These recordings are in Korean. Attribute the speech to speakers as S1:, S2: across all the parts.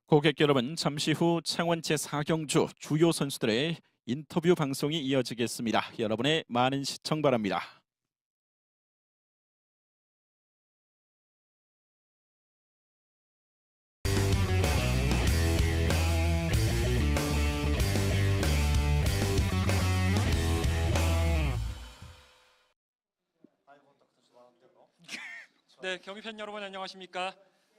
S1: 고객 여러분, 잠시 후 창원 제4경주 주요 선수들의 인터뷰 방송이 이어지겠습니다. 여러분의 많은 시청 바랍니다.
S2: 네, 경기팬 여러분 안녕하십니까?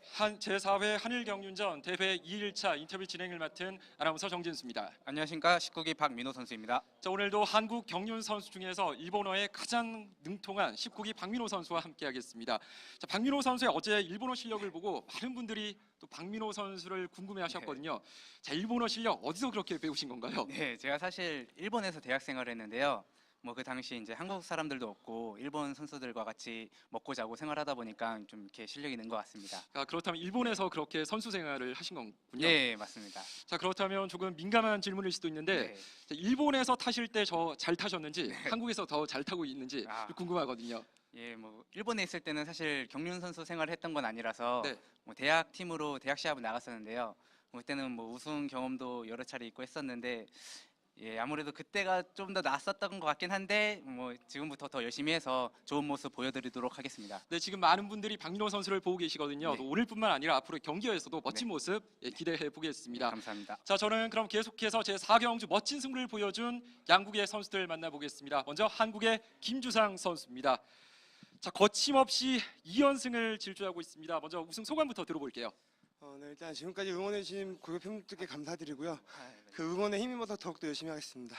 S2: 제4회 한일경륜전 대회 2일차 인터뷰 진행을 맡은 아나운서 정진수입니다.
S3: 안녕하십니까. 19기 박민호 선수입니다.
S2: 자, 오늘도 한국 경륜 선수 중에서 일본어에 가장 능통한 19기 박민호 선수와 함께하겠습니다. 자, 박민호 선수의 어제 일본어 실력을 보고 많은 분들이 또 박민호 선수를 궁금해하셨거든요. 자, 일본어 실력 어디서 그렇게 배우신 건가요?
S3: 네, 제가 사실 일본에서 대학 생활을 했는데요. 그 당시 이제 한국 사람들도 없고 일본 선수들과 같이 먹고 자고 생활하다 보니까 좀 이렇게 실력이 는 것 같습니다.
S2: 아, 그렇다면 일본에서 그렇게 선수 생활을 하신 거군요.
S3: 네, 맞습니다.
S2: 자, 그렇다면 조금 민감한 질문일 수도 있는데
S3: 네.
S2: 자, 일본에서 타실 때 잘 타셨는지 한국에서 더 잘 타고 있는지
S3: 아.
S2: 궁금하거든요.
S3: 예, 일본에 있을 때는 사실 경륜 선수 생활을 했던 건 아니라서
S2: 네.
S3: 대학 팀으로 대학 시합을 나갔었는데요. 그때는 우승 경험도 여러 차례 있고 했었는데 예, 아무래도 그때가 좀 더 낫었던 것 같긴 한데 지금부터 더 열심히 해서 좋은 모습 보여드리도록 하겠습니다.
S2: 네, 지금 많은 분들이 박민호 선수를 보고 계시거든요.
S3: 네.
S2: 또 오늘뿐만 아니라 앞으로 경기에서도 멋진
S3: 네.
S2: 모습 기대해 보겠습니다.
S3: 감사합니다.
S2: 자, 저는 그럼 계속해서 제4경주 멋진 승부를 보여준 양국의 선수들 만나보겠습니다. 먼저 한국의 김주상 선수입니다. 자, 거침없이 2연승을 질주하고 있습니다. 먼저 우승 소감부터 들어볼게요.
S4: 네, 일단 지금까지 응원해주신 고객 팬분들께 감사드리고요.
S3: 네.
S4: 그 응원에 힘입어서 더욱더 열심히 하겠습니다.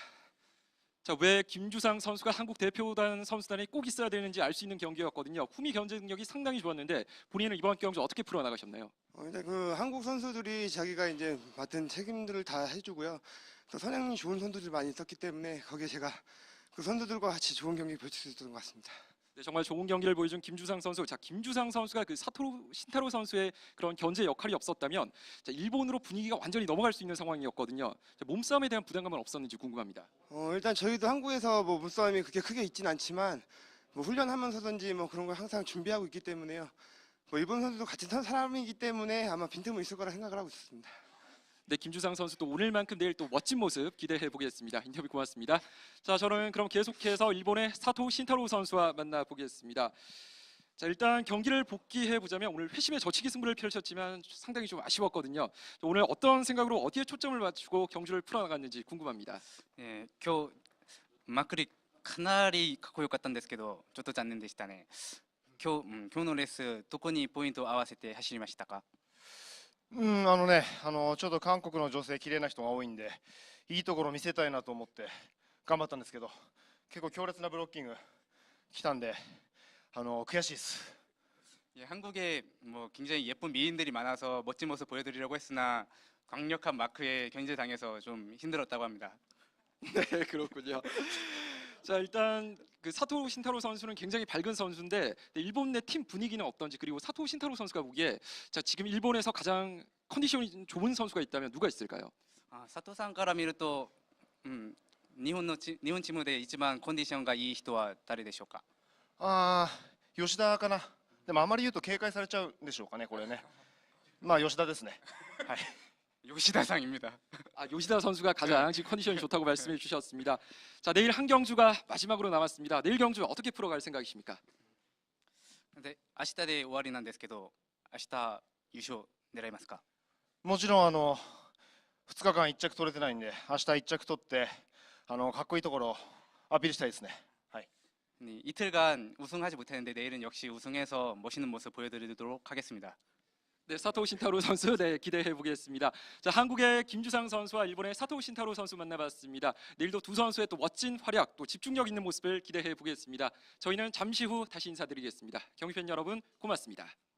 S2: 자, 왜 김주상 선수가 한국 대표단 선수단에 꼭 있어야 되는지 알 수 있는 경기였거든요. 후미 경쟁력이 상당히 좋았는데 본인은 이번 경주 어떻게 풀어나가셨나요?
S4: 일단 그 한국 선수들이 자기가 이제 맡은 책임들을 다 해주고요. 또 선행이 좋은 선수들이 많이 있었기 때문에 거기에 제가 그 선수들과 같이 좋은 경기 펼칠 수 있었던 것 같습니다.
S2: 네, 정말 좋은 경기를 보여준 김주상 선수. 자, 김주상 선수가 그 신타로 선수의 그런 견제 역할이 없었다면 자, 일본으로 분위기가 완전히 넘어갈 수 있는 상황이었거든요. 자, 몸싸움에 대한 부담감은 없었는지 궁금합니다.
S4: 일단 저희도 한국에서 몸싸움이 그렇게 크게 있진 않지만 훈련하면서든지 그런 걸 항상 준비하고 있기 때문에요. 일본 선수도 같은 사람이기 때문에 아마 빈틈은 있을 거라 생각을 하고 있었습니다.
S2: 네, 김주상 선수 또 오늘만큼 내일 또 멋진 모습 기대해 보겠습니다. 인터뷰 고맙습니다. 자, 저는 그럼 계속해서 일본의 사토 신타로 선수와 만나보겠습니다. 자, 일단 경기를 복귀해 보자면 오늘 회심의 저치기 승부를 펼쳤지만 상당히 좀 아쉬웠거든요. 오늘 어떤 생각으로 어디에 초점을 맞추고 경주를 풀어나갔는지 궁금합니다.
S3: 예, 今日まくりかなりかっこよかったんですけど、ちょっと残念でしたね。今日のレースどこにポイントを合わせて走りましたか？
S5: ちょっと韓国の女性綺麗な人が多いんでいいところ見せたいなと思って頑張ったんですけど結構強烈なブロッキング来たんで悔しいです。
S3: 예, 한국에 굉장히 예쁜 미인들이 많아서 멋진 모습 보여드리려고 했으나 강력한 마크에 견제당해서 좀 힘들었다고 합니다.
S2: 네, 그렇군요. 자, 일단 그 사토 신타로 선수는 굉장히 밝은 선수인데 일본 내 팀 분위기는 어떤지, 그리고 사토 신타로 선수가 보기에 자, 지금 일본에서 가장 컨디션이 좋은 선수가 있다면 누가 있을까요?
S3: 佐藤さんから見ると、日本チームで一番コンディションがいい人は誰でしょうか？
S5: 吉田かな。でもあまり言うと警戒されちゃうんでしょうかね、これね。吉田ですね。はい。
S3: 요시다상입니다.
S2: 요시다 선수가 가장 지금 컨디션이 좋다고 말씀해 주셨습니다. 자, 내일 한 경주가 마지막으로 남았습니다. 내일 경주 어떻게 풀어갈 생각이십니까?
S3: で、明日で終わりなんですけど、明日優勝狙いますか？
S5: もちろん2日間1着取れてないんで明日1着取ってかっこいいところをアピールしたいですね。はい。
S3: 이틀간 우승하지 못했는데 내일은 역시 우승해서 멋있는 모습 보여드리도록 하겠습니다.
S2: 네, 사토 신타로 선수 기대해 보겠습니다. 자, 한국의 김주상 선수와 일본의 사토 신타로 선수 만나봤습니다. 내일도 두 선수의 또 멋진 활약, 또 집중력 있는 모습을 기대해 보겠습니다. 저희는 잠시 후 다시 인사드리겠습니다. 경기팬 여러분 고맙습니다.